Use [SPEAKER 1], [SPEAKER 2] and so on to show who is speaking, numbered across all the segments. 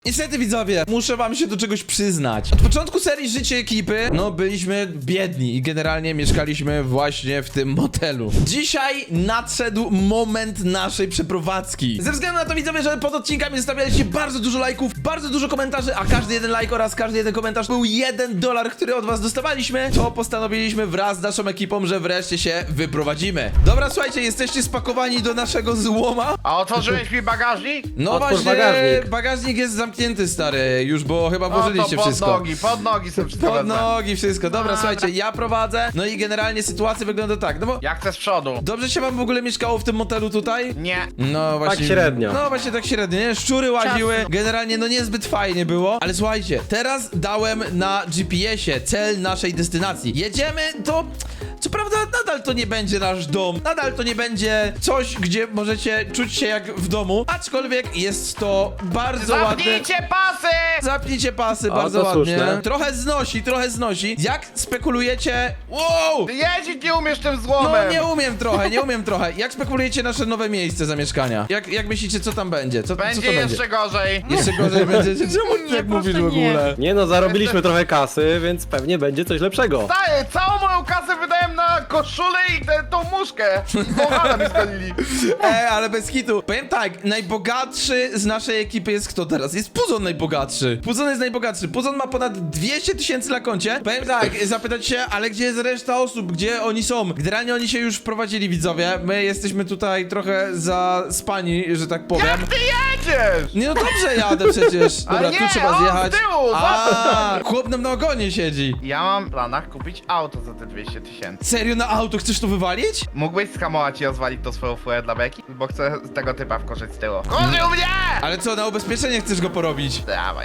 [SPEAKER 1] Niestety widzowie, muszę wam się do czegoś przyznać. Od początku serii Życie Ekipy, no byliśmy biedni i generalnie mieszkaliśmy właśnie w tym motelu. Dzisiaj nadszedł moment naszej przeprowadzki. Ze względu na to widzowie, że pod odcinkami zostawialiście bardzo dużo lajków, bardzo dużo komentarzy, a każdy jeden lajk oraz każdy jeden komentarz był $1, który od was dostawaliśmy, to postanowiliśmy wraz z naszą ekipą, że wreszcie się wyprowadzimy. Dobra, słuchajcie, jesteście spakowani do naszego złoma?
[SPEAKER 2] A otworzyłeś mi bagażnik?
[SPEAKER 1] No
[SPEAKER 3] Otwórz
[SPEAKER 1] właśnie,
[SPEAKER 3] bagażnik.
[SPEAKER 1] bagażnik jest zamknięty, stary, już, bo chyba włożyliście
[SPEAKER 2] pod
[SPEAKER 1] wszystko.
[SPEAKER 2] pod nogi sobie wszystko
[SPEAKER 1] Pod
[SPEAKER 2] wezmę.
[SPEAKER 1] nogi, wszystko. Dobra,
[SPEAKER 2] Dobra.
[SPEAKER 1] słuchajcie, ja prowadzę, no i generalnie sytuacja wygląda tak, no bo
[SPEAKER 2] Jak chcę z przodu?
[SPEAKER 1] dobrze się wam w ogóle mieszkało w tym motelu tutaj?
[SPEAKER 2] Nie.
[SPEAKER 1] No właśnie.
[SPEAKER 3] średnio.
[SPEAKER 1] No właśnie tak średnio, nie? Szczury łaziły, generalnie no niezbyt fajnie było, ale słuchajcie, teraz dałem na GPS-ie cel naszej destynacji. Jedziemy, to co prawda nadal to nie będzie nasz dom, nadal to nie będzie coś, gdzie możecie czuć się jak w domu, aczkolwiek jest to bardzo ładne.
[SPEAKER 2] Zapnijcie pasy!
[SPEAKER 1] Zapnijcie pasy,
[SPEAKER 3] O,
[SPEAKER 1] bardzo
[SPEAKER 3] to
[SPEAKER 1] ładnie.
[SPEAKER 3] słuszne.
[SPEAKER 1] Trochę znosi. Jak spekulujecie... Wow!
[SPEAKER 2] Ty jeździć nie umiesz tym złomem!
[SPEAKER 1] No nie umiem trochę. Jak spekulujecie nasze nowe miejsce zamieszkania? Jak myślicie, co tam będzie? Co
[SPEAKER 2] Będzie
[SPEAKER 1] to będzie?
[SPEAKER 2] jeszcze gorzej.
[SPEAKER 1] Jeszcze gorzej będzie. Czemu ty tak mówisz w ogóle?
[SPEAKER 3] Nie no, zarobiliśmy trochę kasy, więc pewnie będzie coś lepszego.
[SPEAKER 2] Staję, całą moją kasę wydałem na koszulę i tą muszkę. Bohana mi zgonili.
[SPEAKER 1] Ale bez hitu. Powiem tak, najbogatszy z naszej ekipy jest kto teraz? Jest Puzon najbogatszy. Puzon jest najbogatszy. Puzon ma ponad 200 000 na koncie. Powiem tak, zapytać się, ale gdzie jest reszta osób? Gdzie oni są? Generalnie oni się już wprowadzili, widzowie. My jesteśmy tutaj trochę zaspani, że tak powiem.
[SPEAKER 2] Jak ty jedziesz?
[SPEAKER 1] Nie no dobrze jadę przecież. Dobra,
[SPEAKER 2] Ale
[SPEAKER 1] tu
[SPEAKER 2] nie,
[SPEAKER 1] trzeba
[SPEAKER 2] on z
[SPEAKER 1] zjechać.
[SPEAKER 2] tyłu,
[SPEAKER 1] A, chłop nam na ogonie siedzi.
[SPEAKER 2] Ja mam w planach kupić auto za te 200 000.
[SPEAKER 1] Serio na auto chcesz to wywalić?
[SPEAKER 2] Mógłbyś skamować i rozwalić to swoją furę dla beki? Bo chcę z tego typa wkorzyć z tyłu. Korzył mnie!
[SPEAKER 1] Ale co, na ubezpieczenie chcesz go porobić?
[SPEAKER 2] Dawaj.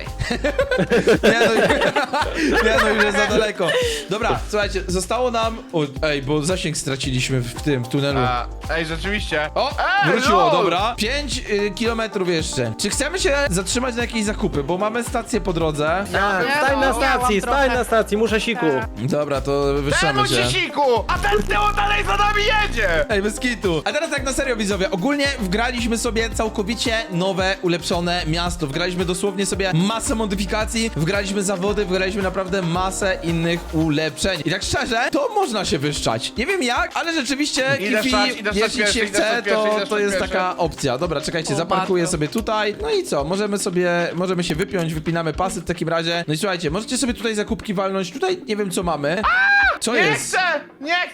[SPEAKER 1] Nie no, nie no, już jest za daleko. Dobra, słuchajcie, zostało nam... O, ej, bo zasięg straciliśmy w tunelu.
[SPEAKER 2] Ej, rzeczywiście.
[SPEAKER 1] O,
[SPEAKER 2] Ej,
[SPEAKER 1] wróciło,
[SPEAKER 2] lol!
[SPEAKER 1] dobra. 5 kilometrów jeszcze. Czy chcemy się zatrzymać na jakieś zakupy? Bo mamy stację po drodze.
[SPEAKER 3] Tak, stań na stacji, muszę siku.
[SPEAKER 1] Dobra, to
[SPEAKER 2] Temu
[SPEAKER 1] wyszczamy się.
[SPEAKER 2] siku! A ten z tyłu dalej za nami jedzie!
[SPEAKER 1] Ej, bez kitu. A teraz tak na serio, widzowie. Ogólnie wgraliśmy sobie całkowicie nowe, ulepszone miasto. Wgraliśmy dosłownie sobie masę modyfikacji, wgraliśmy zawody, wgraliśmy naprawdę masę innych ulepszeń. I tak szczerze, to można się wyszczać. Nie wiem jak, ale rzeczywiście,
[SPEAKER 2] Idę
[SPEAKER 1] Kifi,
[SPEAKER 2] wstać, idę wstać
[SPEAKER 1] jeśli
[SPEAKER 2] pierwszy,
[SPEAKER 1] się
[SPEAKER 2] idę
[SPEAKER 1] chce,
[SPEAKER 2] wstać pierwszy, idę
[SPEAKER 1] to
[SPEAKER 2] wstać
[SPEAKER 1] jest
[SPEAKER 2] pierwszy.
[SPEAKER 1] taka opcja. Dobra, czekajcie,
[SPEAKER 4] O,
[SPEAKER 1] zaparkuję
[SPEAKER 4] bardzo.
[SPEAKER 1] sobie tutaj. No i co? Możemy się wypiąć, wypinamy pasy w takim razie. No i słuchajcie, możecie sobie tutaj zakupki walnąć. Tutaj nie wiem co mamy. Co
[SPEAKER 2] Nie
[SPEAKER 1] jest?
[SPEAKER 2] chcę! Nie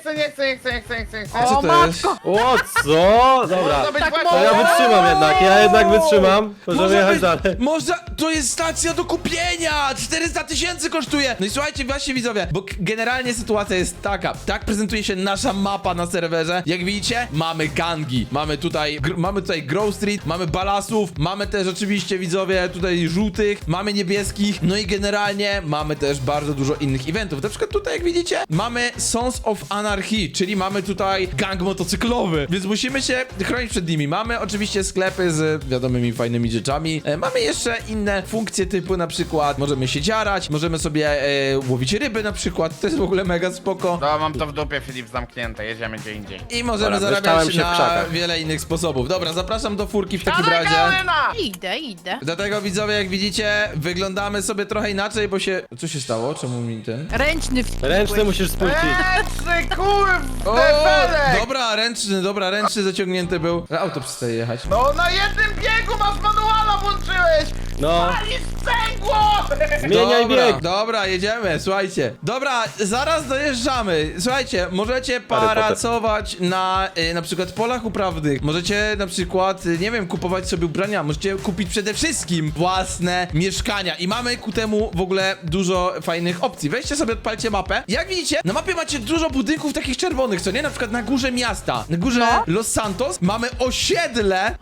[SPEAKER 2] chcę!
[SPEAKER 1] Co to jest?
[SPEAKER 3] O, co? Dobra.
[SPEAKER 2] To być
[SPEAKER 4] Tak
[SPEAKER 2] właśnie-
[SPEAKER 3] To ja wytrzymam jednak, ja jednak wytrzymam. Możemy
[SPEAKER 1] Może
[SPEAKER 3] jechać
[SPEAKER 1] być,
[SPEAKER 3] dalej.
[SPEAKER 1] można, to jest stacja do kupienia! 400 000 kosztuje! No i słuchajcie, właśnie widzowie, bo generalnie sytuacja jest taka. Tak prezentuje się nasza mapa na serwerze. Jak widzicie, mamy gangi. Mamy tutaj Grove Street, mamy balasów, mamy też oczywiście, widzowie, tutaj żółtych, mamy niebieskich, no i generalnie mamy też bardzo dużo innych eventów. Na przykład tutaj, jak widzicie, mamy Sons of Anarchy, czyli mamy tutaj gang motocyklowy, więc musimy się chronić przed nimi. Mamy oczywiście sklepy z wiadomymi fajnymi rzeczami. Mamy jeszcze inne funkcje typu na przykład możemy się dziarać, możemy sobie łowić ryby na przykład, to jest w ogóle mega spoko.
[SPEAKER 2] No, mam to w dupie, Filip, zamknięte, jedziemy gdzie indziej.
[SPEAKER 1] I możemy
[SPEAKER 3] Dobra,
[SPEAKER 1] zarabiać
[SPEAKER 3] wyszczałem się w
[SPEAKER 1] na
[SPEAKER 3] krzakach.
[SPEAKER 1] wiele innych sposobów. Dobra, zapraszam do furki w takim
[SPEAKER 2] Dawaj,
[SPEAKER 1] razie.
[SPEAKER 2] Karolina!
[SPEAKER 4] Idę.
[SPEAKER 1] Dlatego widzowie, jak widzicie, wyglądamy sobie trochę inaczej, bo się... Co się stało? Czemu mi ten...
[SPEAKER 4] Ręczny
[SPEAKER 3] Ręczny musisz spuścić.
[SPEAKER 2] Ręczny, kurw,
[SPEAKER 1] O,
[SPEAKER 2] defelek!
[SPEAKER 1] dobra, ręczny zaciągnięty był. Auto przestaje jechać.
[SPEAKER 2] No, na jednym biegu masz manuala włączyłeś!
[SPEAKER 3] No,
[SPEAKER 2] Palisz sprzęgło!
[SPEAKER 3] zmieniaj bieg.
[SPEAKER 1] Dobra, jedziemy, słuchajcie. Dobra, zaraz dojeżdżamy. Słuchajcie, możecie
[SPEAKER 3] Potter.
[SPEAKER 1] pracować na przykład polach uprawnych. Możecie na przykład, nie wiem, kupować sobie ubrania. Możecie kupić przede wszystkim własne mieszkania. I mamy ku temu w ogóle dużo fajnych opcji. Weźcie sobie, odpalcie mapę. Jak widzicie, na mapie macie dużo budynków takich czerwonych, co nie? Na przykład na górze miasta, na górze Los Santos mamy osiedle.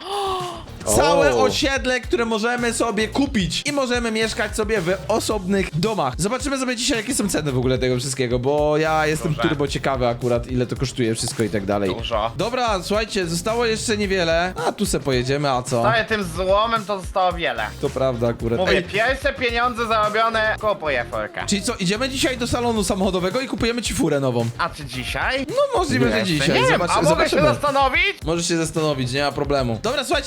[SPEAKER 1] Całe
[SPEAKER 3] O.
[SPEAKER 1] osiedle, które możemy sobie kupić i możemy mieszkać sobie w osobnych domach. Zobaczymy sobie dzisiaj, jakie są ceny w ogóle tego wszystkiego, bo ja jestem
[SPEAKER 2] Duże.
[SPEAKER 1] turbo ciekawy akurat, ile to kosztuje wszystko i tak dalej.
[SPEAKER 2] Dużo.
[SPEAKER 1] Dobra, słuchajcie, zostało jeszcze niewiele. A tu se pojedziemy, a co?
[SPEAKER 2] Staję tym złomem, to zostało wiele.
[SPEAKER 1] To prawda akurat.
[SPEAKER 2] Mówię,
[SPEAKER 1] Ej,
[SPEAKER 2] pierwsze pieniądze zarobione, kupuję furkę.
[SPEAKER 1] czyli co, idziemy dzisiaj do salonu samochodowego i kupujemy ci furę nową?
[SPEAKER 2] A czy dzisiaj?
[SPEAKER 1] No możliwe, że
[SPEAKER 2] Jeszcze
[SPEAKER 1] dzisiaj.
[SPEAKER 2] nie wiem, a mogę się
[SPEAKER 1] zobaczymy.
[SPEAKER 2] zastanowić?
[SPEAKER 1] Możesz się zastanowić, nie ma problemu. Dobra, słuchajcie, będziemy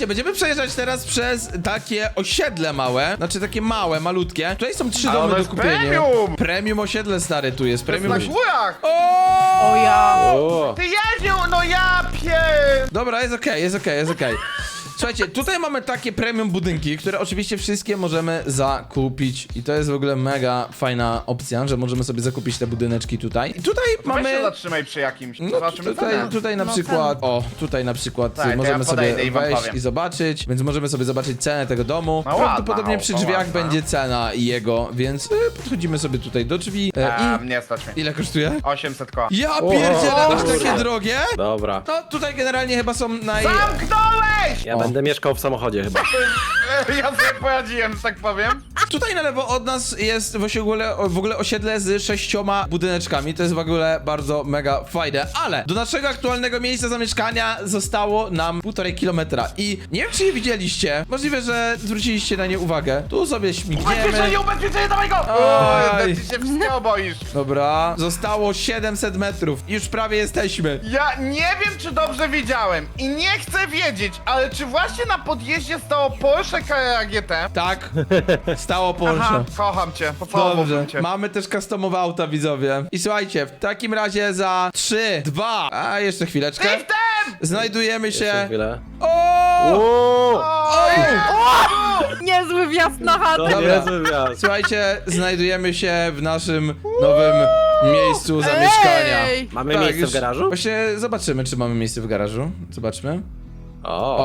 [SPEAKER 1] przejeżdżać teraz przez takie osiedle małe, znaczy takie małe, malutkie. Tutaj są 3
[SPEAKER 2] Ale
[SPEAKER 1] domy
[SPEAKER 2] ono
[SPEAKER 1] do
[SPEAKER 2] jest
[SPEAKER 1] kupienia.
[SPEAKER 2] premium!
[SPEAKER 1] Premium osiedle, stary, tu jest.
[SPEAKER 2] To jest
[SPEAKER 1] Premium
[SPEAKER 2] na górach!
[SPEAKER 1] O!
[SPEAKER 4] O ja.
[SPEAKER 3] O,
[SPEAKER 2] Ty jeździł, no ja
[SPEAKER 1] Dobra, jest okej, jest okej, jest okej. Słuchajcie, tutaj mamy takie premium budynki, które oczywiście wszystkie możemy zakupić i to jest w ogóle mega fajna opcja, że możemy sobie zakupić te budyneczki tutaj. I tutaj
[SPEAKER 2] Weź
[SPEAKER 1] mamy...
[SPEAKER 2] się zatrzymaj przy jakimś,
[SPEAKER 1] No
[SPEAKER 2] zobaczymy cenę.
[SPEAKER 1] tutaj na
[SPEAKER 4] No,
[SPEAKER 1] przykład, o, tutaj na przykład
[SPEAKER 2] Tak, to ja
[SPEAKER 1] możemy sobie
[SPEAKER 2] podejdę i wam
[SPEAKER 1] wejść
[SPEAKER 2] powiem.
[SPEAKER 1] i zobaczyć, więc możemy sobie zobaczyć cenę tego domu.
[SPEAKER 2] No
[SPEAKER 1] Prawdopodobnie
[SPEAKER 2] ładna,
[SPEAKER 1] przy
[SPEAKER 2] o,
[SPEAKER 1] drzwiach
[SPEAKER 2] ładna.
[SPEAKER 1] będzie cena jego, więc podchodzimy sobie tutaj do drzwi i...
[SPEAKER 2] Nie stać mnie.
[SPEAKER 1] Ile kosztuje?
[SPEAKER 2] 800 koła.
[SPEAKER 1] Ja pierdzielę, aż
[SPEAKER 3] kurde.
[SPEAKER 1] takie drogie?
[SPEAKER 3] dobra.
[SPEAKER 1] No tutaj generalnie chyba są
[SPEAKER 2] Zamknąłeś!
[SPEAKER 3] Ja
[SPEAKER 1] O.
[SPEAKER 3] będę mieszkał w samochodzie chyba.
[SPEAKER 2] Ja sobie poradziłem, że tak powiem.
[SPEAKER 1] Tutaj na lewo od nas jest właśnie w ogóle osiedle z 6 budyneczkami. To jest w ogóle bardzo mega fajne. Ale do naszego aktualnego miejsca zamieszkania zostało nam 1,5 kilometra. I nie wiem, czy je widzieliście. Możliwe, że zwróciliście na nie uwagę. Tu sobie
[SPEAKER 2] Ubezpieczenie,
[SPEAKER 1] śmigniemy.
[SPEAKER 2] ubezpieczenie, dawaj go!
[SPEAKER 1] Oj.
[SPEAKER 2] Ty się wszystkiego boisz.
[SPEAKER 1] Dobra, zostało 700 metrów. Już prawie jesteśmy.
[SPEAKER 2] Ja nie wiem, czy dobrze widziałem i nie chcę wiedzieć, ale czy właśnie na podjeździe stało Porsche Carrera GT?
[SPEAKER 1] Tak, stało Porsche.
[SPEAKER 2] Aha, kocham cię, pocałowałbym
[SPEAKER 1] Dobrze,
[SPEAKER 2] cię.
[SPEAKER 1] mamy też customowe auta, widzowie. I słuchajcie, w takim razie za 3, 2, a jeszcze chwileczkę.
[SPEAKER 2] Driftem!
[SPEAKER 1] Znajdujemy
[SPEAKER 3] Jeszcze
[SPEAKER 1] się...
[SPEAKER 3] chwilę.
[SPEAKER 1] O!
[SPEAKER 3] O,
[SPEAKER 2] Oj!
[SPEAKER 4] Niezły wjazd na chatę.
[SPEAKER 3] to
[SPEAKER 1] Dobra.
[SPEAKER 3] niezły wjazd.
[SPEAKER 1] Słuchajcie, znajdujemy się w naszym nowym miejscu zamieszkania.
[SPEAKER 4] Ej!
[SPEAKER 3] Mamy
[SPEAKER 1] Tak,
[SPEAKER 3] miejsce
[SPEAKER 1] już
[SPEAKER 3] w garażu?
[SPEAKER 1] Właśnie zobaczymy, czy mamy miejsce w garażu. Zobaczmy.
[SPEAKER 3] O,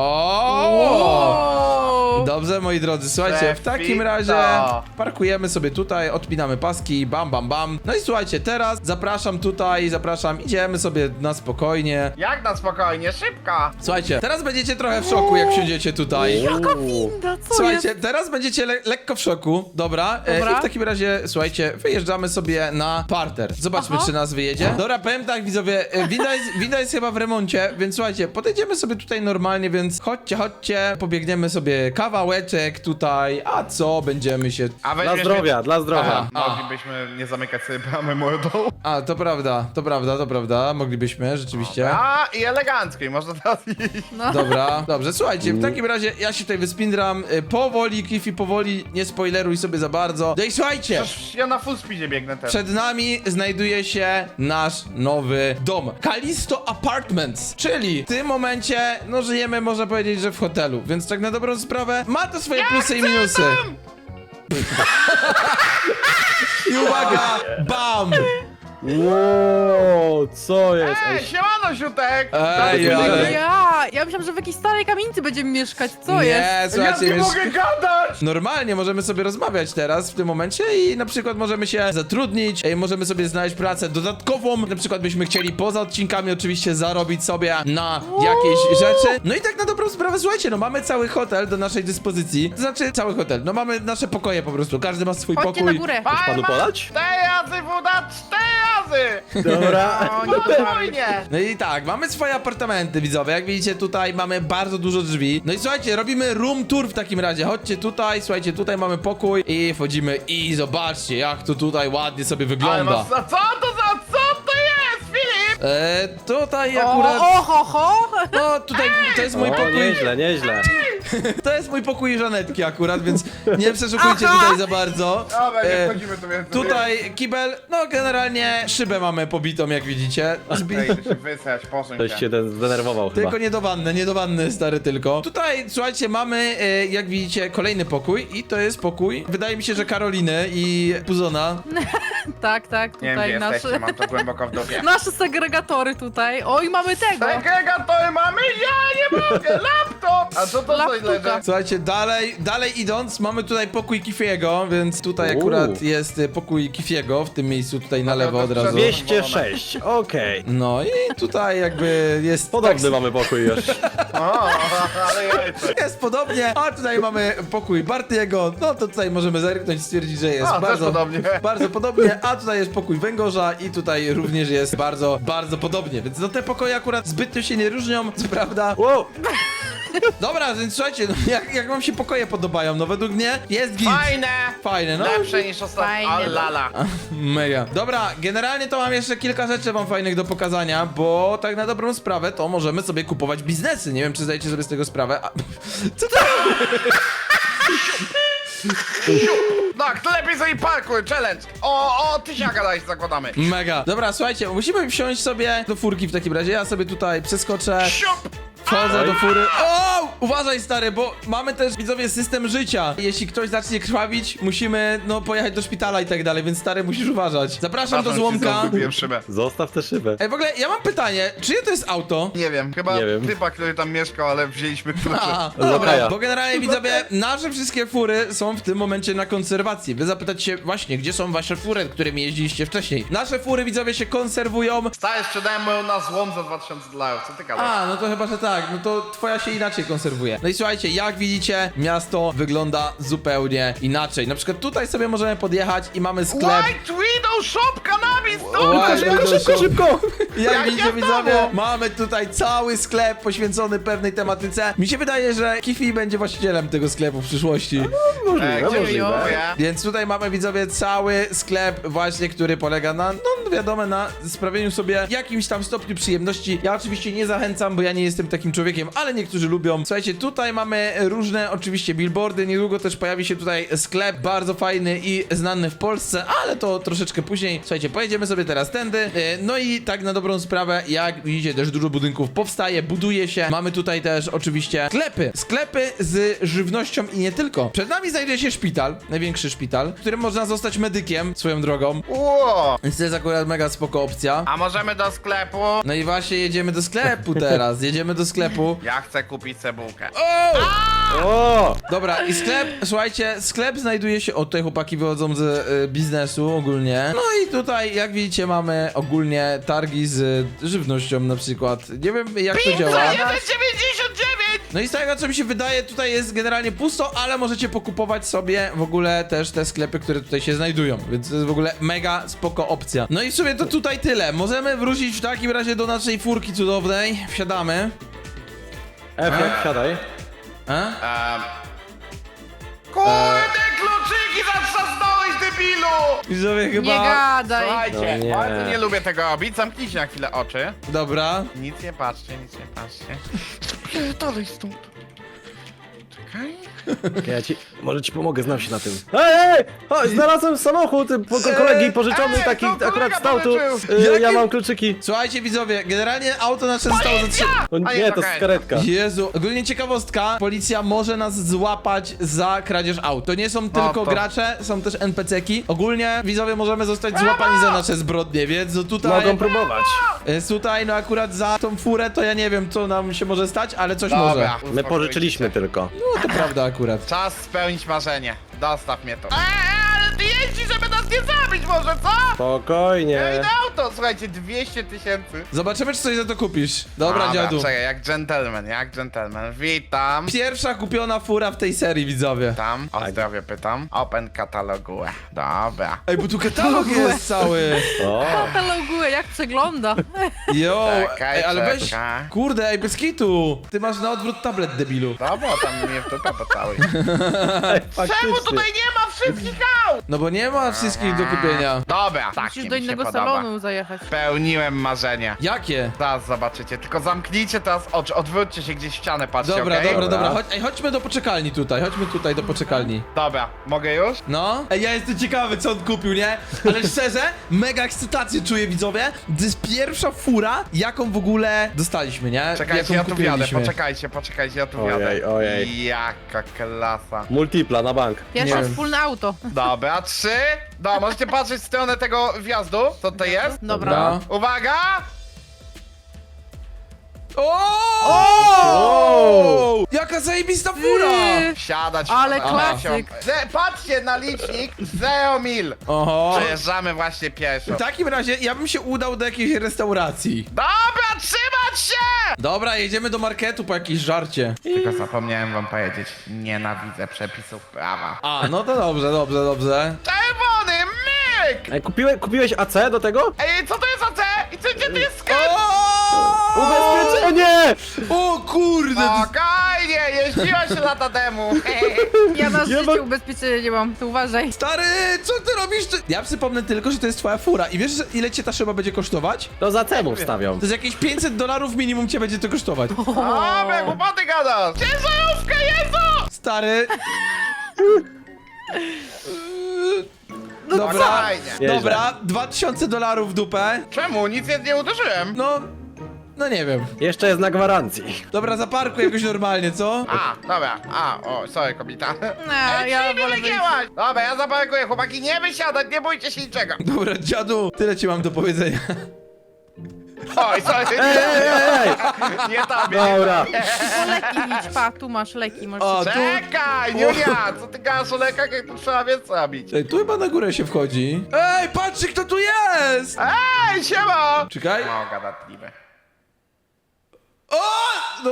[SPEAKER 1] O! Dobrze, moi drodzy, słuchajcie, w takim
[SPEAKER 2] Perfito.
[SPEAKER 1] razie parkujemy sobie tutaj, odpinamy paski, bam, bam, bam. No i słuchajcie, teraz zapraszam tutaj, idziemy sobie na spokojnie.
[SPEAKER 2] Jak na spokojnie, szybko!
[SPEAKER 1] Słuchajcie, teraz będziecie trochę w szoku, jak wsiądziecie tutaj.
[SPEAKER 4] Jaka winda, co
[SPEAKER 1] Słuchajcie,
[SPEAKER 4] jest?
[SPEAKER 1] teraz będziecie lekko w szoku, dobra?
[SPEAKER 4] Dobra.
[SPEAKER 1] I w takim razie, słuchajcie, wyjeżdżamy sobie na parter. Zobaczmy,
[SPEAKER 4] Aha.
[SPEAKER 1] czy nas wyjedzie. Dobra, powiem tak, widzowie, winda jest chyba w remoncie, więc słuchajcie, podejdziemy sobie tutaj normalnie, więc chodźcie, pobiegniemy sobie kawałeczek tutaj, a co, będziemy się...
[SPEAKER 2] A
[SPEAKER 3] dla
[SPEAKER 2] weźmiesz
[SPEAKER 3] zdrowia, dla
[SPEAKER 1] Aha.
[SPEAKER 3] zdrowia.
[SPEAKER 2] Moglibyśmy nie zamykać sobie bramy mordą.
[SPEAKER 1] A, to prawda, moglibyśmy, rzeczywiście.
[SPEAKER 2] A, i elegancko, i można teraz iść.
[SPEAKER 4] No.
[SPEAKER 1] Dobra, dobrze, słuchajcie, w takim razie ja się tutaj wyspindram powoli, Cliffy, powoli, nie spoileruj sobie za bardzo. No i słuchajcie!
[SPEAKER 2] Przecież ja na full speedzie biegnę teraz.
[SPEAKER 1] Przed nami znajduje się nasz nowy dom. Kalisto Apartments, czyli w tym momencie, no żyjemy, można powiedzieć, że w hotelu, więc tak na dobrą sprawę ma to swoje plusy i minusy. I uwaga, bam!
[SPEAKER 3] Wow, co jest?
[SPEAKER 2] Ej, siemano, Siutek!
[SPEAKER 1] Ej,
[SPEAKER 2] Dobry
[SPEAKER 1] ale-
[SPEAKER 2] dzień.
[SPEAKER 4] Ja myślałam, że w jakiejś starej kamienicy będziemy mieszkać. Co
[SPEAKER 1] Nie,
[SPEAKER 4] jest?
[SPEAKER 2] Ja
[SPEAKER 1] słuchajcie,
[SPEAKER 2] nie
[SPEAKER 1] wiesz,
[SPEAKER 2] mogę gadać!
[SPEAKER 1] normalnie możemy sobie rozmawiać teraz w tym momencie i na przykład możemy się zatrudnić, możemy sobie znaleźć pracę dodatkową, na przykład byśmy chcieli poza odcinkami oczywiście zarobić sobie na jakieś rzeczy. No i tak na dobrą sprawę, słuchajcie, no mamy cały hotel do naszej dyspozycji, to znaczy cały hotel, no mamy nasze pokoje po prostu, każdy ma swój
[SPEAKER 4] Chodźcie na
[SPEAKER 1] pokój.
[SPEAKER 4] górę.
[SPEAKER 3] panu podać?
[SPEAKER 2] 4 razy woda, 4 razy!
[SPEAKER 3] Dobra.
[SPEAKER 2] O, nie spokojnie!
[SPEAKER 1] No i tak, mamy swoje apartamenty, widzowie. Jak widzicie, tutaj mamy bardzo dużo drzwi. No i słuchajcie, robimy room tour w takim razie. Chodźcie tutaj, słuchajcie, tutaj mamy pokój i wchodzimy i zobaczcie, jak to tutaj ładnie sobie
[SPEAKER 2] Ale
[SPEAKER 1] wygląda.
[SPEAKER 2] masz, co to jest, Filip?
[SPEAKER 1] Tutaj
[SPEAKER 4] O,
[SPEAKER 1] akurat,
[SPEAKER 4] o, ho, ho.
[SPEAKER 1] no tutaj to jest mój
[SPEAKER 3] O,
[SPEAKER 1] pokój,
[SPEAKER 3] nieźle, nieźle.
[SPEAKER 1] to jest mój pokój Żanetki akurat, więc nie przeszukujcie
[SPEAKER 4] Aha.
[SPEAKER 1] tutaj za bardzo.
[SPEAKER 2] Dobra, nie
[SPEAKER 1] E,
[SPEAKER 2] wchodzimy tu więcej.
[SPEAKER 1] Tutaj kibel, no generalnie szybę mamy pobitą, jak widzicie.
[SPEAKER 2] Ej, to się wysrać, posuń
[SPEAKER 3] Ktoś
[SPEAKER 2] się.
[SPEAKER 3] się zdenerwował chyba.
[SPEAKER 1] Tylko nie do wanny, stary, tylko. Tutaj, słuchajcie, mamy, jak widzicie, kolejny pokój i to jest pokój, wydaje mi się, że Karoliny i Puzona.
[SPEAKER 4] Tak, tak,
[SPEAKER 2] Nie wiem, gdzie
[SPEAKER 4] tutaj
[SPEAKER 2] jesteście,
[SPEAKER 4] nasze...
[SPEAKER 2] mam to głęboko w dupie.
[SPEAKER 4] Nasze segregatory tutaj. Oj, mamy tego.
[SPEAKER 2] Segregatory mamy? Ja nie mogę! Laptop! A co to za
[SPEAKER 4] Laptuka.
[SPEAKER 2] leży?
[SPEAKER 1] Słuchajcie, dalej idąc, mamy tutaj pokój Kifiego, więc tutaj akurat jest pokój Kifiego, w tym miejscu tutaj na
[SPEAKER 2] A to
[SPEAKER 1] lewo od
[SPEAKER 2] to
[SPEAKER 1] razu.
[SPEAKER 3] 206, okej.
[SPEAKER 1] No i tutaj jakby jest...
[SPEAKER 3] Podobny
[SPEAKER 1] tak,
[SPEAKER 3] mamy pokój już.
[SPEAKER 2] O, ale jajce.
[SPEAKER 1] jest podobnie, a tutaj mamy pokój Bartiego, no to tutaj możemy zerknąć, stwierdzić, że jest
[SPEAKER 2] A, też
[SPEAKER 1] bardzo
[SPEAKER 2] podobnie.
[SPEAKER 1] bardzo podobnie, a tutaj jest pokój Węgorza i tutaj również jest bardzo podobnie, więc no te pokoje akurat zbytnio się nie różnią, co prawda.
[SPEAKER 3] Wow,
[SPEAKER 1] Dobra, więc słuchajcie, no, jak wam się pokoje podobają? No według mnie jest git. Fajne, no.
[SPEAKER 2] Lepsze niż ostatnio.
[SPEAKER 4] Fajne.
[SPEAKER 2] O lala.
[SPEAKER 1] Mega. Dobra, generalnie to mam jeszcze kilka rzeczy wam fajnych do pokazania, bo tak na dobrą sprawę to możemy sobie kupować biznesy. Nie wiem, czy zdajecie sobie z tego sprawę. Co to?
[SPEAKER 2] Tak, to lepiej sobie parkuj, challenge. O, tysiaka daj, zakładamy.
[SPEAKER 1] Mega. Dobra, słuchajcie, musimy wsiąść sobie do furki w takim razie. Ja sobie tutaj przeskoczę.
[SPEAKER 2] Siup!
[SPEAKER 1] Wchodzę do fury. O! Uważaj, stary, bo mamy też, widzowie, system życia. Jeśli ktoś zacznie krwawić, musimy, no, pojechać do szpitala i tak dalej, więc, stary, musisz uważać. Zapraszam do złomka.
[SPEAKER 2] Kupiłem szybę.
[SPEAKER 3] Zostaw tę szybę.
[SPEAKER 1] Ej, w ogóle, ja mam pytanie, czyje to jest auto?
[SPEAKER 2] Nie wiem, chyba
[SPEAKER 3] Nie wiem.
[SPEAKER 2] typa, który tam mieszkał, ale wzięliśmy klucze.
[SPEAKER 1] A, dobra,
[SPEAKER 3] Lokaja.
[SPEAKER 1] bo generalnie, widzowie, nasze wszystkie fury są w tym momencie na konserwacji. Wy zapytacie się właśnie, gdzie są wasze fury, którymi jeździliście wcześniej. Nasze fury, widzowie, się konserwują.
[SPEAKER 2] Stary, sprzedałem moją na złom za $2000, co ty gadasz?
[SPEAKER 1] A, no to chyba, że tak, no to twoja się inaczej konserwuje. No i słuchajcie, jak widzicie, miasto wygląda zupełnie inaczej. Na przykład tutaj sobie możemy podjechać i mamy sklep.
[SPEAKER 2] White Widow Shop, cannabis,
[SPEAKER 1] White
[SPEAKER 2] to
[SPEAKER 1] Widow
[SPEAKER 3] Szybko!
[SPEAKER 1] Jak
[SPEAKER 2] Jak
[SPEAKER 1] widzicie,
[SPEAKER 2] ja
[SPEAKER 1] widzowie,
[SPEAKER 2] znowu?
[SPEAKER 1] mamy tutaj cały sklep poświęcony pewnej tematyce. Mi się wydaje, że Kifi będzie właścicielem tego sklepu w przyszłości.
[SPEAKER 3] Możliwe,
[SPEAKER 2] Gdzie
[SPEAKER 3] możliwe.
[SPEAKER 2] mówię?
[SPEAKER 1] Więc tutaj mamy, widzowie, cały sklep właśnie, który polega na, no wiadomo, na sprawieniu sobie jakimś tam stopniu przyjemności. Ja oczywiście nie zachęcam, bo ja nie jestem takim człowiekiem, ale niektórzy lubią. Słuchajcie, tutaj mamy różne oczywiście billboardy, niedługo też pojawi się tutaj sklep bardzo fajny i znany w Polsce, ale to troszeczkę później. Słuchajcie, pojedziemy sobie teraz tędy. No i tak na dobrą sprawę, jak widzicie, też dużo budynków powstaje, buduje się. Mamy tutaj też oczywiście sklepy z żywnością i nie tylko. Przed nami znajduje się szpital, największy szpital, w którym można zostać medykiem swoją drogą.
[SPEAKER 2] Ło!
[SPEAKER 1] Więc to jest akurat mega spoko opcja.
[SPEAKER 2] A możemy do sklepu?
[SPEAKER 1] No i właśnie jedziemy do sklepu teraz, jedziemy do sklepu.
[SPEAKER 2] Ja chcę kupić cebulkę.
[SPEAKER 1] O!
[SPEAKER 3] O!
[SPEAKER 1] Dobra, i sklep, słuchajcie, sklep znajduje się, o tutaj chłopaki wychodzą z biznesu ogólnie. No i tutaj, jak widzicie, mamy ogólnie targi z żywnością na przykład. Nie wiem, jak to działa.
[SPEAKER 2] 1,99!
[SPEAKER 1] No i z tego, co mi się wydaje, tutaj jest generalnie pusto, ale możecie pokupować sobie w ogóle też te sklepy, które tutaj się znajdują, więc to jest w ogóle mega spoko opcja. No i w sumie to tutaj tyle. Możemy wrócić w takim razie do naszej furki cudownej. Wsiadamy.
[SPEAKER 3] Efekt, siadaj.
[SPEAKER 2] Kurde, kluczyki zatrzasnąłeś, debilu!
[SPEAKER 1] Widzowie
[SPEAKER 4] Nie
[SPEAKER 1] chyba...
[SPEAKER 4] gadaj.
[SPEAKER 2] Słuchajcie,
[SPEAKER 3] No nie.
[SPEAKER 2] bardzo nie lubię tego robić. Zamknijcie na chwilę oczy.
[SPEAKER 1] Dobra.
[SPEAKER 2] Nic nie patrzcie, nic nie patrzcie. Pierdolej stąd. Czekaj.
[SPEAKER 3] Ja ci, może ci pomogę, znam się na tym. Ej! Chodź, znalazłem samochód kolegi pożyczony,
[SPEAKER 2] ej,
[SPEAKER 3] taki
[SPEAKER 2] to kolega
[SPEAKER 3] akurat stał tu.
[SPEAKER 2] pożyczył.
[SPEAKER 3] Ja
[SPEAKER 1] Jakie-
[SPEAKER 3] mam kluczyki.
[SPEAKER 1] Słuchajcie, widzowie, generalnie auto nasze zostało zatrzymane.
[SPEAKER 3] O,
[SPEAKER 2] A
[SPEAKER 3] nie,
[SPEAKER 2] jest
[SPEAKER 3] to
[SPEAKER 2] okej.
[SPEAKER 3] jest karetka.
[SPEAKER 1] Jezu, ogólnie ciekawostka, policja może nas złapać za kradzież aut. To nie są tylko
[SPEAKER 2] to-
[SPEAKER 1] gracze, są też NPC-ki. Ogólnie, widzowie, możemy zostać złapani za nasze zbrodnie, więc no tutaj...
[SPEAKER 3] Mogą próbować.
[SPEAKER 1] Tutaj, no akurat za tą furę to ja nie wiem, co nam się może stać, ale coś
[SPEAKER 2] Dobra,
[SPEAKER 1] może.
[SPEAKER 3] My
[SPEAKER 2] uspokójcie
[SPEAKER 3] pożyczyliśmy
[SPEAKER 2] się.
[SPEAKER 3] tylko.
[SPEAKER 1] No to prawda akurat.
[SPEAKER 2] Czas spełnić marzenie. Dostaw mnie to. Ale ty jeździ, żeby nas nie zabić może, co? Ej,
[SPEAKER 3] Spokojnie.
[SPEAKER 2] na auto, słuchajcie, 200 000.
[SPEAKER 1] Zobaczymy, czy coś za to kupisz. Dobra, dziadu.
[SPEAKER 2] Czekaj, jak gentleman. Witam.
[SPEAKER 1] Pierwsza kupiona fura w tej serii, widzowie.
[SPEAKER 2] Tam, o zdrowie pytam. Open katalogu. Dobra.
[SPEAKER 1] Ej, bo tu katalog jest cały.
[SPEAKER 3] O,
[SPEAKER 4] Kataloguję, jak przegląda.
[SPEAKER 1] Jo,
[SPEAKER 2] Czekaj,
[SPEAKER 1] ej, ale weź...
[SPEAKER 2] czekaj.
[SPEAKER 1] Kurde, ej, bez kitu. Ty masz na odwrót tablet, debilu.
[SPEAKER 2] Dobra, tam mnie w dupę pocałuj.
[SPEAKER 3] faktycznie.
[SPEAKER 2] Czemu tutaj nie ma wszystkich aut?
[SPEAKER 1] No bo nie ma wszystkich do kupienia.
[SPEAKER 2] Dobra, tak
[SPEAKER 4] Musisz
[SPEAKER 2] mi
[SPEAKER 4] do
[SPEAKER 2] się
[SPEAKER 4] innego
[SPEAKER 2] podoba.
[SPEAKER 4] salonu zajechać.
[SPEAKER 2] Spełniłem marzenie.
[SPEAKER 1] Jakie?
[SPEAKER 2] Zaraz zobaczycie, tylko zamknijcie teraz oczy, odwróćcie się gdzieś w ścianę, patrzcie,
[SPEAKER 1] Dobra,
[SPEAKER 2] okej?
[SPEAKER 1] dobra. Chodźmy do poczekalni tutaj, chodźmy tutaj do poczekalni.
[SPEAKER 2] Dobra, mogę już?
[SPEAKER 1] No? Ej, ja jestem ciekawy, co on kupił, nie? Ale szczerze, mega ekscytację czuję, widzowie. To jest pierwsza fura, jaką w ogóle dostaliśmy, nie?
[SPEAKER 2] Czekajcie,
[SPEAKER 1] Jaką
[SPEAKER 2] ja tu wjadę,
[SPEAKER 1] kupiliśmy.
[SPEAKER 2] poczekajcie, ja tu
[SPEAKER 3] Ojej,
[SPEAKER 2] wjadę.
[SPEAKER 3] ojej.
[SPEAKER 2] Jaka klasa.
[SPEAKER 3] Multipla na bank.
[SPEAKER 4] Pierwsze
[SPEAKER 1] wiem.
[SPEAKER 4] wspólne auto.
[SPEAKER 2] Dobra, 3. Dobra, możecie patrzeć w stronę tego wjazdu, co to jest?
[SPEAKER 4] Dobra.
[SPEAKER 2] Uwaga!
[SPEAKER 1] O! Jaka zajebista fura!
[SPEAKER 2] Wsiadać.
[SPEAKER 4] Ale
[SPEAKER 2] Aha.
[SPEAKER 4] klasyk.
[SPEAKER 2] Patrzcie na licznik, 0 mil.
[SPEAKER 1] Oho.
[SPEAKER 2] Przejeżdżamy właśnie pieszo.
[SPEAKER 1] W takim razie ja bym się udał do jakiejś restauracji.
[SPEAKER 2] Dobra, trzymać się!
[SPEAKER 1] Dobra, jedziemy do marketu po jakieś żarcie.
[SPEAKER 2] Tylko zapomniałem wam powiedzieć, nienawidzę przepisów prawa.
[SPEAKER 1] A, no to dobrze.
[SPEAKER 2] Czerwony, myk!
[SPEAKER 3] Ej, kupiłeś AC do tego?
[SPEAKER 2] Ej, co to jest AC? I gdzie to jest sklep?
[SPEAKER 1] O!
[SPEAKER 3] Ubezpieczenie!
[SPEAKER 1] O kurde!
[SPEAKER 2] Spokojnie, jeździłaś lata temu.
[SPEAKER 4] Ja na
[SPEAKER 3] Ja
[SPEAKER 4] życie
[SPEAKER 3] mam-
[SPEAKER 4] ubezpieczenia nie mam, to uważaj.
[SPEAKER 1] Stary, co ty robisz? Ja przypomnę tylko, że to jest twoja fura. I wiesz, że ile cię ta szyba będzie kosztować?
[SPEAKER 3] To za cenę wstawiam.
[SPEAKER 1] To jest jakieś $500 minimum cię będzie to kosztować.
[SPEAKER 2] Dobra, głupoty gadasz. Ciężarówka, Jezu!
[SPEAKER 1] Stary.
[SPEAKER 2] No
[SPEAKER 1] Dobra,
[SPEAKER 2] fajnie.
[SPEAKER 3] Nieźle.
[SPEAKER 1] dobra, $2000 w dupę.
[SPEAKER 2] Czemu? Nic nie uderzyłem.
[SPEAKER 1] No nie wiem.
[SPEAKER 3] Jeszcze jest na gwarancji.
[SPEAKER 1] Dobra, zaparkuj jakoś normalnie, co?
[SPEAKER 2] Dobra, sorry kobieta.
[SPEAKER 4] No, ja
[SPEAKER 2] Ej,
[SPEAKER 4] wolę
[SPEAKER 2] wygięłaś! Dobra, ja zaparkuję, chłopaki, nie wysiadać, nie bójcie się niczego.
[SPEAKER 1] Dobra, dziadu, tyle ci mam do powiedzenia.
[SPEAKER 2] Oj, sorry.
[SPEAKER 3] Ej!
[SPEAKER 2] Nie tobie.
[SPEAKER 3] Dobra.
[SPEAKER 4] Tylko leki idź, pa, tu masz leki. Możesz...
[SPEAKER 1] O, tu...
[SPEAKER 2] Czekaj, Julia, co ty gadasz o lekach, jak tu trzeba więcej robić?
[SPEAKER 1] Ej, tu chyba na górę się wchodzi. Ej, patrzcie, kto tu jest!
[SPEAKER 2] Ej, siema!
[SPEAKER 1] Czekaj.
[SPEAKER 2] No, gadatliwy.
[SPEAKER 1] O!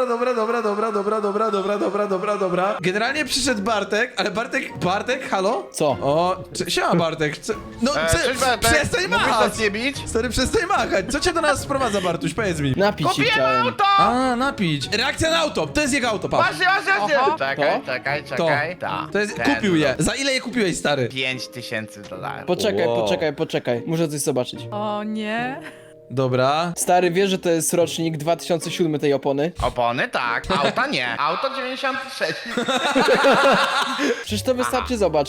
[SPEAKER 1] Dobra. Generalnie przyszedł Bartek, ale Bartek, halo?
[SPEAKER 3] Co?
[SPEAKER 1] O, siema Bartek. No,
[SPEAKER 2] Cześć, Bartek.
[SPEAKER 1] przestań
[SPEAKER 2] Mógłbyś
[SPEAKER 1] machać!
[SPEAKER 2] nas nie bić?
[SPEAKER 1] Stary, przestań machać. Co cię do nas sprowadza, Bartuś? Powiedz mi.
[SPEAKER 3] Napić się
[SPEAKER 2] Kupiłem
[SPEAKER 3] chciałem.
[SPEAKER 2] auto!
[SPEAKER 1] A, napić. Reakcja na auto. To jest jego auto, patrz.
[SPEAKER 2] Właśnie.
[SPEAKER 4] Oho.
[SPEAKER 2] Czekaj,
[SPEAKER 3] To?
[SPEAKER 2] czekaj.
[SPEAKER 1] To.
[SPEAKER 2] Ta,
[SPEAKER 1] To jest,
[SPEAKER 2] ten.
[SPEAKER 1] kupił je. Za ile je kupiłeś, stary?
[SPEAKER 2] $5000.
[SPEAKER 3] Poczekaj. Muszę coś zobaczyć.
[SPEAKER 4] O nie.
[SPEAKER 1] Dobra.
[SPEAKER 3] Stary, wiesz, że to jest rocznik 2007 tej opony?
[SPEAKER 2] Opony tak, auta nie. Auto 96.
[SPEAKER 3] Przecież to wystarczy, zobacz.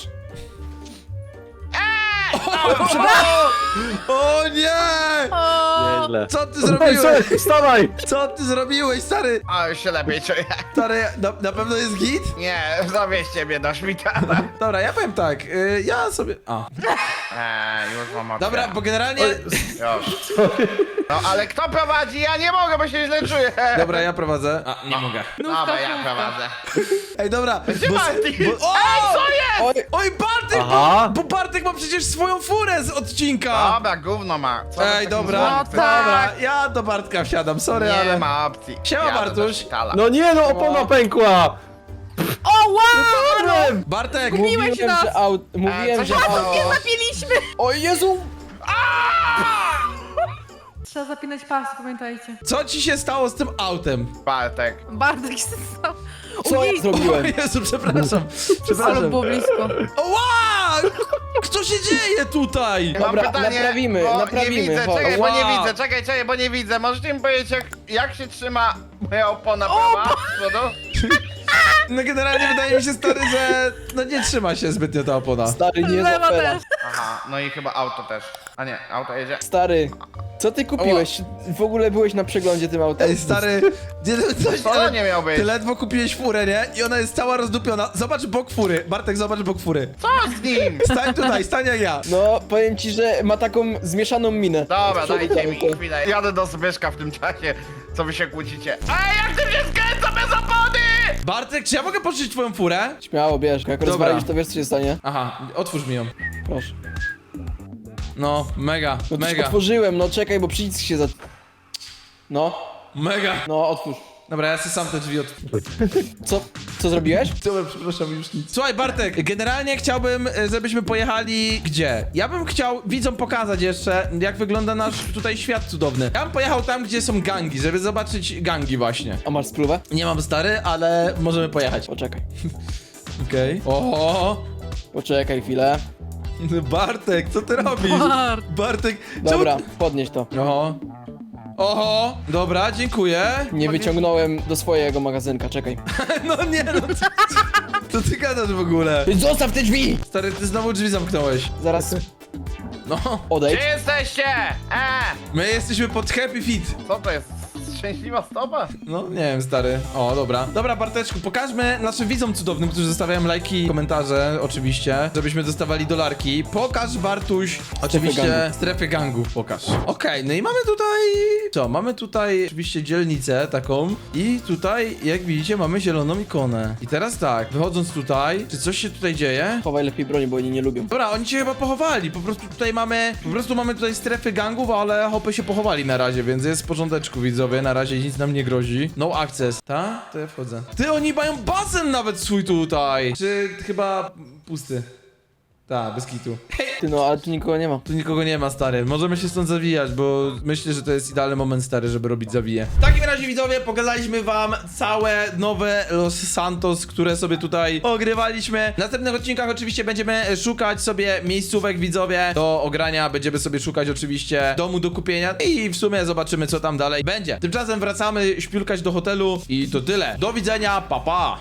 [SPEAKER 1] O nie!
[SPEAKER 4] O,
[SPEAKER 3] Nieźle.
[SPEAKER 1] Co ty
[SPEAKER 3] Ej,
[SPEAKER 1] zrobiłeś?
[SPEAKER 3] słuchaj, wstawaj!
[SPEAKER 1] Co ty zrobiłeś, stary?
[SPEAKER 2] A, już się lepiej czuję.
[SPEAKER 1] Stary, na pewno jest git?
[SPEAKER 2] Nie, zawieźcie mnie do szpitala.
[SPEAKER 1] Dobra, ja powiem tak, ja sobie... A.
[SPEAKER 2] Już mam opcję.
[SPEAKER 1] Dobra, bo generalnie...
[SPEAKER 2] Już. No ale kto prowadzi? Ja nie mogę, bo się źle czuję.
[SPEAKER 1] Dobra, ja prowadzę. A, nie mogę.
[SPEAKER 2] Dobra, ja prowadzę.
[SPEAKER 1] Ej, dobra.
[SPEAKER 2] Gdzie
[SPEAKER 1] bo-
[SPEAKER 2] Bartek?
[SPEAKER 1] bo- o!
[SPEAKER 2] Ej, co jest?
[SPEAKER 3] Oj,
[SPEAKER 1] Oj, Bartek,
[SPEAKER 3] Aha.
[SPEAKER 1] bo Bartek ma przecież swoją furę z odcinka.
[SPEAKER 2] Dobra, gówno ma. Co wy
[SPEAKER 1] Ej,
[SPEAKER 2] takim
[SPEAKER 1] dobra,
[SPEAKER 2] złym
[SPEAKER 4] No
[SPEAKER 2] chcecie?
[SPEAKER 1] dobra, ja do Bartka wsiadam, sorry,
[SPEAKER 2] Nie
[SPEAKER 1] ale...
[SPEAKER 2] ma opcji.
[SPEAKER 1] Siema,
[SPEAKER 2] Jadę do
[SPEAKER 1] Bartuś.
[SPEAKER 2] szpitala.
[SPEAKER 3] no nie no, opona pękła!
[SPEAKER 4] o wow!
[SPEAKER 1] Bartek,
[SPEAKER 4] Zgubiłeś nas.
[SPEAKER 3] że mówiłem,
[SPEAKER 2] co
[SPEAKER 3] że
[SPEAKER 2] się
[SPEAKER 3] auto...
[SPEAKER 2] stało?
[SPEAKER 4] Nie zapiliśmy!
[SPEAKER 3] O Jezu!
[SPEAKER 4] Trzeba zapinać pas, pamiętajcie.
[SPEAKER 1] co ci się stało z tym autem?
[SPEAKER 2] Bartek.
[SPEAKER 4] Bartek się stał.
[SPEAKER 3] Co ja
[SPEAKER 1] O
[SPEAKER 3] zrobiłem?
[SPEAKER 1] Jezu, przepraszam,
[SPEAKER 4] Ale
[SPEAKER 1] przepraszam.
[SPEAKER 4] było blisko.
[SPEAKER 1] O, wow! Co się dzieje tutaj?
[SPEAKER 3] Dobra,
[SPEAKER 2] Mam pytanie,
[SPEAKER 3] naprawimy,
[SPEAKER 2] bo
[SPEAKER 3] naprawimy,
[SPEAKER 2] Nie widzę,
[SPEAKER 3] chodź.
[SPEAKER 2] czekaj, bo nie
[SPEAKER 1] Wow.
[SPEAKER 2] widzę, czekaj, bo nie widzę. Możecie mi powiedzieć, jak się trzyma moja opona prawa z przodu?
[SPEAKER 1] No generalnie wydaje mi się, stary, że no nie trzyma się zbytnio ta opona.
[SPEAKER 3] Stary, nie
[SPEAKER 4] Lewa
[SPEAKER 3] zapera.
[SPEAKER 4] też.
[SPEAKER 2] Aha, no i chyba auto też. A nie, auto jedzie.
[SPEAKER 3] Stary, co ty kupiłeś? W ogóle byłeś na przeglądzie tym autem?
[SPEAKER 1] Ej, stary, coś,
[SPEAKER 2] To nie miał być.
[SPEAKER 1] ty ledwo kupiłeś furę, nie? I ona jest cała rozdupiona. Zobacz bok fury. Bartek, zobacz bok fury.
[SPEAKER 2] Co z nim?
[SPEAKER 1] Stań tutaj, stań jak ja.
[SPEAKER 3] No, powiem ci, że ma taką zmieszaną minę.
[SPEAKER 2] Dobra,
[SPEAKER 3] Z przodu
[SPEAKER 2] dajcie mi
[SPEAKER 3] auto.
[SPEAKER 2] chwilę. Jadę do Zbyszka w tym czasie, co wy się kłócicie. Ej, jak ty mnie skręca bez opony!
[SPEAKER 1] Bartek, czy ja mogę pożyczyć twoją furę?
[SPEAKER 3] Śmiało, bierz. Jak
[SPEAKER 1] Dobra.
[SPEAKER 3] rozwalisz, to wiesz, co się stanie.
[SPEAKER 1] Aha, otwórz mi ją.
[SPEAKER 3] Proszę.
[SPEAKER 1] No, mega,
[SPEAKER 3] No to już
[SPEAKER 1] mega,
[SPEAKER 3] otworzyłem, no czekaj, bo przycisk się za... No,
[SPEAKER 1] mega.
[SPEAKER 3] no, otwórz.
[SPEAKER 1] Dobra, ja sobie sam te drzwi otworzę.
[SPEAKER 3] Co zrobiłeś?
[SPEAKER 1] Dobra, przepraszam, już nic. Słuchaj, Bartek, generalnie chciałbym, żebyśmy pojechali gdzie? Ja bym chciał widzom pokazać jeszcze, jak wygląda nasz tutaj świat cudowny. Ja bym pojechał tam, gdzie są gangi, żeby zobaczyć gangi właśnie.
[SPEAKER 3] A masz spluwę?
[SPEAKER 1] Nie mam stary, ale możemy pojechać.
[SPEAKER 3] Poczekaj.
[SPEAKER 1] Okej. Oho!
[SPEAKER 3] Poczekaj chwilę.
[SPEAKER 1] Bartek, co ty robisz?
[SPEAKER 4] Bart.
[SPEAKER 1] Bartek,
[SPEAKER 3] Dobra, podnieś to.
[SPEAKER 1] Oho. Oho, dobra, dziękuję.
[SPEAKER 3] Nie wyciągnąłem do swojego magazynka, czekaj.
[SPEAKER 1] No nie, no co ty gadasz w ogóle?
[SPEAKER 3] Zostaw te drzwi!
[SPEAKER 1] Stary, ty znowu drzwi zamknąłeś.
[SPEAKER 3] Zaraz
[SPEAKER 1] No,
[SPEAKER 3] odejdź.
[SPEAKER 2] Gdzie jesteście?
[SPEAKER 1] my jesteśmy pod Happy Feet.
[SPEAKER 2] Co to jest? Szczęśliwa stopa?
[SPEAKER 1] No, nie wiem, stary. O, dobra. Dobra, Barteczku, pokażmy naszym widzom cudownym, którzy zostawiają lajki, komentarze, oczywiście, żebyśmy dostawali dolarki. Pokaż, Bartuś, oczywiście,
[SPEAKER 3] gangów.
[SPEAKER 1] strefę gangów, pokaż. Okej, no i mamy tutaj... Co? Mamy tutaj oczywiście dzielnicę taką i tutaj, jak widzicie, mamy zieloną ikonę. I teraz tak, wychodząc tutaj, czy coś się tutaj dzieje?
[SPEAKER 3] Chowaj lepiej broni, bo oni nie lubią.
[SPEAKER 1] Dobra, oni się chyba pochowali, po prostu tutaj mamy tutaj strefy gangów, ale hopy się pochowali na razie, więc jest w porządeczku, widzowie, na razie nic nam nie grozi. No access, ta? To ja wchodzę. Ty, oni mają basen nawet swój tutaj! Czy chyba pusty? Tak, bez kitu.
[SPEAKER 3] Ty no, ale tu nikogo nie ma.
[SPEAKER 1] Tu nikogo nie ma, stary. Możemy się stąd zawijać, bo myślę, że to jest idealny moment, stary, żeby robić zawiję. W takim razie, widzowie, pokazaliśmy wam całe nowe Los Santos, które sobie tutaj ogrywaliśmy. W następnych odcinkach oczywiście będziemy szukać sobie miejscówek, widzowie, do ogrania. Będziemy sobie szukać oczywiście domu do kupienia i w sumie zobaczymy, co tam dalej będzie. Tymczasem wracamy śpiulkać do hotelu i to tyle. Do widzenia, pa pa!